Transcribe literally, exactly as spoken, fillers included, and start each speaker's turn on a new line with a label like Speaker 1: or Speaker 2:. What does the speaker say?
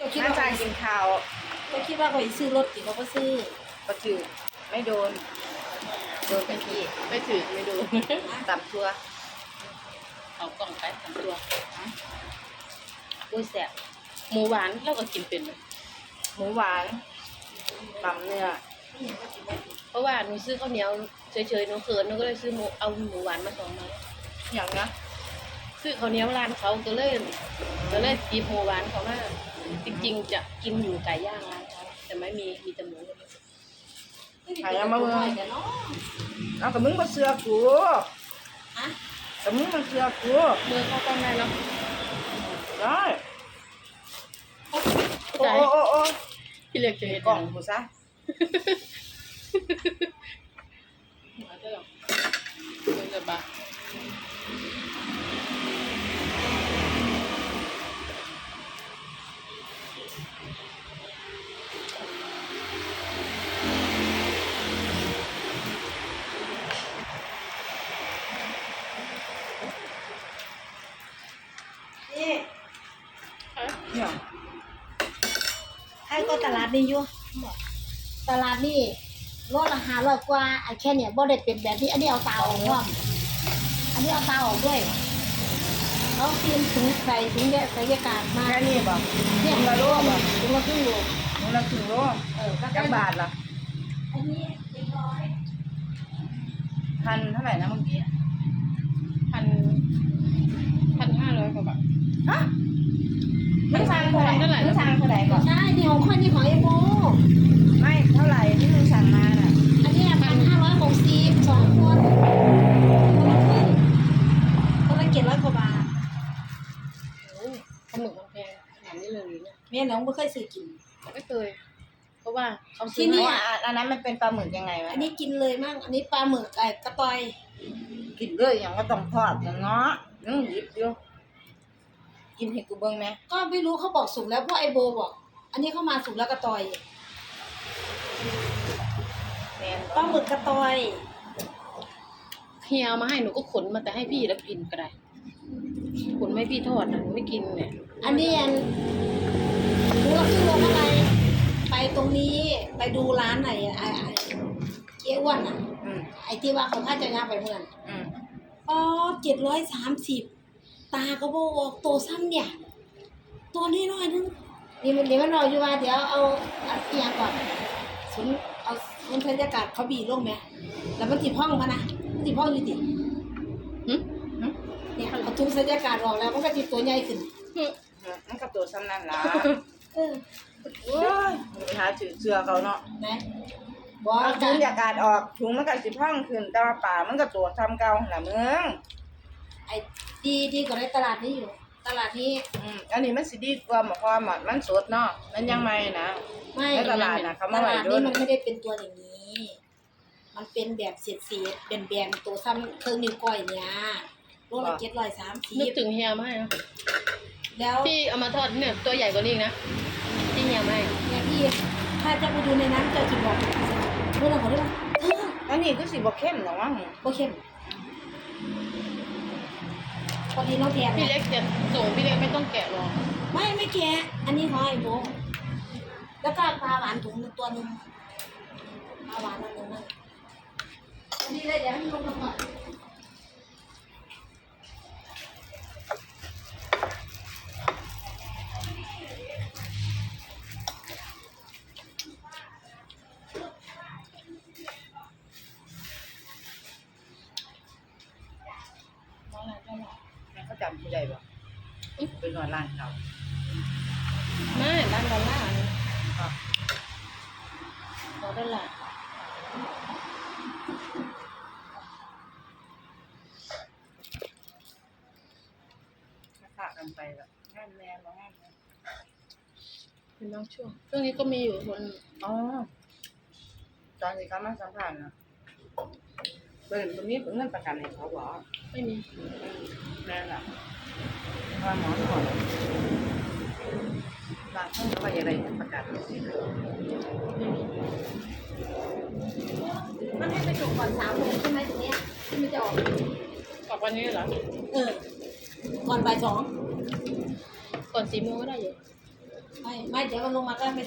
Speaker 1: คิด
Speaker 2: น่า
Speaker 1: ว่า
Speaker 2: จะกินข้าว
Speaker 1: ก็คิดว่าเขาซื้อรถกินเขาก็ซื้อ
Speaker 2: ประถือไม่โดนโดนไปที่
Speaker 3: ไม่ถือไม่ดู
Speaker 2: ตับทัว
Speaker 3: เอากล่องไปสามตัวอุ้ยแสบหมูหวานเราก็กินเป็นเลย
Speaker 2: หมูหวานตำเนื้อ
Speaker 3: เพราะว่าหนูซื้อข้าวเหนียวเฉยๆหนูเขินหนูก็เลยซื้อหมูเอาหมูหวานมาสองไม้
Speaker 2: อย่างนะ
Speaker 3: ซื้อข้าวเหนียวร้านเขาก็เลยก็เลยตีหมูหวานเขามาจริงๆจะกินอยู่ไก่ย่างร้านเขาแต่ไม่มีมีแต่หมู
Speaker 2: ใครเอามาเบิ่งเอากับมึงมาเสือกู
Speaker 1: อะ
Speaker 2: กับมึงมาเสือกู
Speaker 3: เบอร์เข้ากล้องได้แล้ว
Speaker 2: ได้โอ้
Speaker 3: ใจ
Speaker 2: โอ้โอ้โอ้
Speaker 3: พี่เล็กจะเห็น
Speaker 2: กล่องกูซะ
Speaker 3: มาได้หรอเงินจะบาท
Speaker 1: นี่
Speaker 2: เนี่ย
Speaker 1: ให้ก็ตลาดนี่อยู่ตลาดนี่รถราคาร้อยกว่าไอ้แค่เนี่ยบ่ได้เป็นแบบนี้อันนี้เอาตาออกร่วมอันนี้เอาตาออกด้วยเขาเตรียมถุงใส่ถุงแยกใส่ยากาศมา
Speaker 2: แค่นี้บ่
Speaker 1: เนี่ย
Speaker 2: ถุงละโลบ่
Speaker 1: ถุงละครึ่งโล
Speaker 2: ถุงละครึ่งโล
Speaker 1: เออก็
Speaker 2: จักบาทล่ะ
Speaker 1: อันนี้เจ็ดร้อย
Speaker 2: พันเท่าไหร่นะเมื่อกี้
Speaker 3: พันพันห้าร้อยกว่าบาท
Speaker 2: ฮะมึงสั่งเท่าไหร่
Speaker 3: เท่าไหร่
Speaker 2: มึงสั่งเท่าไหร่ก่อน
Speaker 1: ใช่นี่ของคนนี่ของไอ้โบ
Speaker 2: ไม่เท่าไหร่ที่มึงสั่งมาน่ะ
Speaker 1: อันนี้พันห้าร้อยหกสิบสองคนคนละครึ่งคนละเจ็ดร้อยกว่าบาท
Speaker 3: โอ้ปลาหมึกมันแพงขนาดนี้เลยหรือเนี่ย
Speaker 1: แม่น้องไม่เคยซื้อกิน
Speaker 3: ไม่เคย เพราะว่าเขา
Speaker 1: ที่
Speaker 3: ซื้อ
Speaker 1: นี่
Speaker 3: มา
Speaker 2: ว่าอันนั้นมันเป็นปลาหมึกยังไงวะ
Speaker 1: อันนี้กินเลยมั่งอันนี้ปลาหมึกไอ้กระต่อย
Speaker 2: กินเลยอย่างก็ต้องทอดอย่างเนาะนึงหยิบอยู่กินให้กูเบิ่งไหม
Speaker 1: ก็ไม่รู้เขาบอกสุกแล้วเพราะไอโบบอก อันนี้เข้ามาสุกแล้วกระต่อย
Speaker 2: แม่น
Speaker 1: ปลาหมึกกระต่อย
Speaker 3: เฮียเอามาให้หนูก็ขนมาแต่ให้พี่แล้วกินก็ได้ขนไม่พี่ทอดนะหนูไม่กินเนี่ย
Speaker 1: อันนี้อันรู้ละครึ่งโลเท่าไหร่ไปตรงนี้ไปดูร้านไหนไอ้ไอ้เจ๊อ้วนอ่ะ
Speaker 2: อืม
Speaker 1: ไอ้ที่ว่าเขาค่าจะย่างไปเมื่อนั้น
Speaker 2: อืม
Speaker 1: อ๋อเจ็ดร้อยสามสิบตาก็บอกออกตัวซ้ำเนี่ย ตัวนี้น้อยนึงนี่มันเดี๋ยวมันรออยู่ว่าเดี๋ยวเอาอัดเอียงก่อนศูนย์เอาศูนย์บรรยากาศเขาบีลงไหมแล้วมันติดห้องมานะมันติดห้องอยู่ติ
Speaker 3: หึ
Speaker 2: หึ
Speaker 1: เนี่ยเอาทุกบรรยากาศออกแล้วมันก็ติดตัวใหญ่ขึ้น
Speaker 3: หึ
Speaker 2: มันกับตัวซ้ำนั่นล่ะ
Speaker 1: เออ
Speaker 2: โอ้ยมึงไปหาถือเสื้อเขาเนาะ
Speaker 1: นะบอก
Speaker 2: เอา
Speaker 1: อา
Speaker 2: ถุ
Speaker 1: กาง ศ
Speaker 2: อากาศออกถุงมันก็สิพังขึ้นแต่ว่าป่ามันก็ตัวซ้ำเก่าหั่นล่ะมึง
Speaker 1: ไอ้ดีดีกว่าในตลาดนี้อยู่ ตลาดนี้
Speaker 2: อืมอันนี้มันสิดีกว่าหมอความอ่ะมันสดเนาะมันยังใหม่นะ
Speaker 1: ไม่
Speaker 2: ในตลาดน่ะเขา
Speaker 1: ต
Speaker 2: มาไว้
Speaker 1: ลาด
Speaker 2: โด
Speaker 1: นี้
Speaker 2: น
Speaker 1: มันไม่ได้เป็นตัวอย่างนี้ มันเป็นแบบเศษเศษๆแบนๆตัวซ้ำเครื่องนิ้วก้อยเนี่ยโลละเจ็ดร้อยสามสิ
Speaker 3: นึก
Speaker 1: บ
Speaker 3: ถึงเฮียมาให้นะ
Speaker 1: แล้ว
Speaker 3: ที่เอามาทอดเนี่ยตัวใหญ่กว่านี้อีกนะที่เฮียมาให้
Speaker 1: เนี่ยพี่ถ้าจะไปดูในนั้นเจะจะบอกเรื่องของเรื่องเออ
Speaker 2: อันนี้คือสิบ่เข้มหรอกมั้ง
Speaker 1: โอเคพอดีน้องแพง
Speaker 3: พี่
Speaker 1: นะ
Speaker 3: เล็กจะส่งพี่เล็กไม่ต้องแกะหรอก
Speaker 1: ไม่ไม่แกะอันนี้ของไอ้โบะแล้วก็ปลาหวานถุงหนึ่งตัวหนึ่งปลาหวานอันหนึ่งนั่นอันนี้เลยเดี๋ยวให้ลงมาก่อน
Speaker 3: น้องอะไรก็หรอก
Speaker 2: แม่เขาจำที่ใดบ่เป็นนอนร้านเขา
Speaker 3: ไม่ร้านดอลลาร์นี่
Speaker 2: อ่ะ
Speaker 3: ดอลลาร์
Speaker 2: ค่ากันไปแบบงานแม่บ่งานแม่
Speaker 3: เป็นบางช่วงช่วงนี้ก็มีอยู่คน
Speaker 2: อ๋อตอนที่เขามาสัมภาษณ์นะเปิดตรงนี้เปิดเงินประกันให้เขาบอก
Speaker 3: ไม่มี
Speaker 2: แม่น่ะว่าหมอถอนบางท่านก็อยากได้เงินประกัน
Speaker 3: ไม่มี
Speaker 1: มันให้ไปจบก่อนสามโมงใช่ไหมตรงเนี้ยที่มันจะออก
Speaker 3: ออกวันนี้เหรอ
Speaker 1: เออ ก่อนบ่ายสอง
Speaker 3: ก่อนสี่โมงก็ได้อยู่
Speaker 1: ไม่ไม่เดี๋ยวมันลงมาก็ไป